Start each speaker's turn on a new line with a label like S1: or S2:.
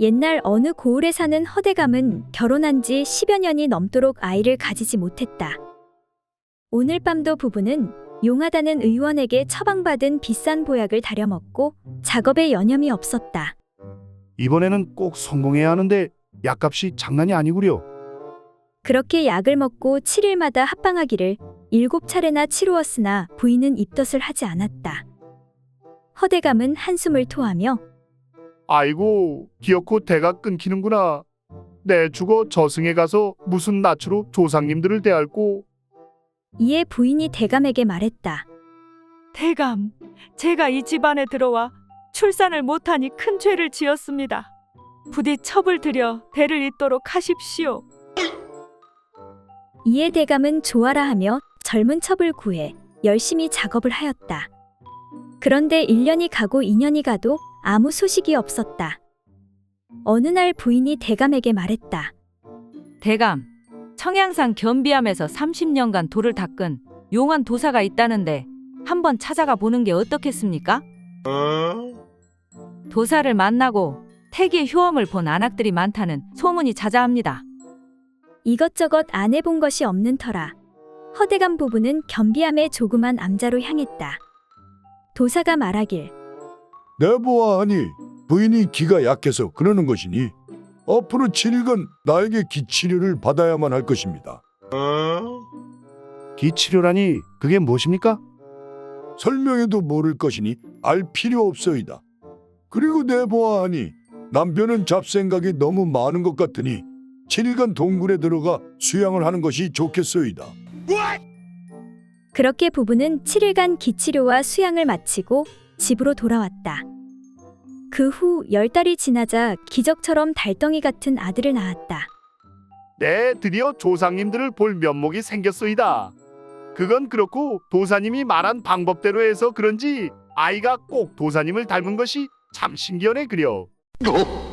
S1: 옛날 어느 고을에 사는 허대감은 결혼한 지 10여 년이 넘도록 아이를 가지지 못했다. 오늘 밤도 부부는 용하다는 의원에게 처방받은 비싼 보약을 다려먹고 작업에 여념이 없었다.
S2: 이번에는 꼭 성공해야 하는데 약값이 장난이 아니구려.
S1: 그렇게 약을 먹고 7일마다 합방하기를 7차례나 치루었으나 부인은 입덧을 하지 않았다. 허대감은 한숨을 토하며
S2: 아이고, 기어코 대가 끊기는구나. 내 죽어 저승에 가서 무슨 낯으로 조상님들을 대할꼬.
S1: 이에 부인이 대감에게 말했다.
S3: 대감, 제가 이 집안에 들어와 출산을 못하니 큰 죄를 지었습니다. 부디 첩을 들여 대를 잇도록 하십시오.
S1: 이에 대감은 좋아라 하며 젊은 첩을 구해 열심히 작업을 하였다. 그런데 1년이 가고 2년이 가도 아무 소식이 없었다. 어느 날 부인이 대감에게 말했다.
S4: 대감, 청양산 겸비암에서 30년간 돌을 닦은 용한 도사가 있다는데 한번 찾아가 보는 게 어떻겠습니까? 도사를 만나고 태기의 효험을 본 안악들이 많다는 소문이 자자합니다.
S1: 이것저것 안 해본 것이 없는 터라 허대감 부부는 겸비암의 조그만 암자로 향했다. 도사가 말하길
S5: 내보아하니 부인이 기가 약해서 그러는 것이니 앞으로 7일간 나에게 기치료를 받아야만 할 것입니다.
S2: 기치료라니 그게 무엇입니까?
S5: 설명해도 모를 것이니 알 필요 없소이다. 그리고 내보아하니 남편은 잡생각이 너무 많은 것 같으니 7일간 동굴에 들어가 수양을 하는 것이 좋겠소이다.
S1: 그렇게 부부는 7일간 기치료와 수양을 마치고 집으로 돌아왔다. 그 후 10달이 지나자 기적처럼 달덩이 같은 아들을 낳았다.
S2: 네, 드디어 조상님들을 볼 면목이 생겼소이다. 그건 그렇고 도사님이 말한 방법대로 해서 그런지 아이가 꼭 도사님을 닮은 것이 참 신기하네 그려.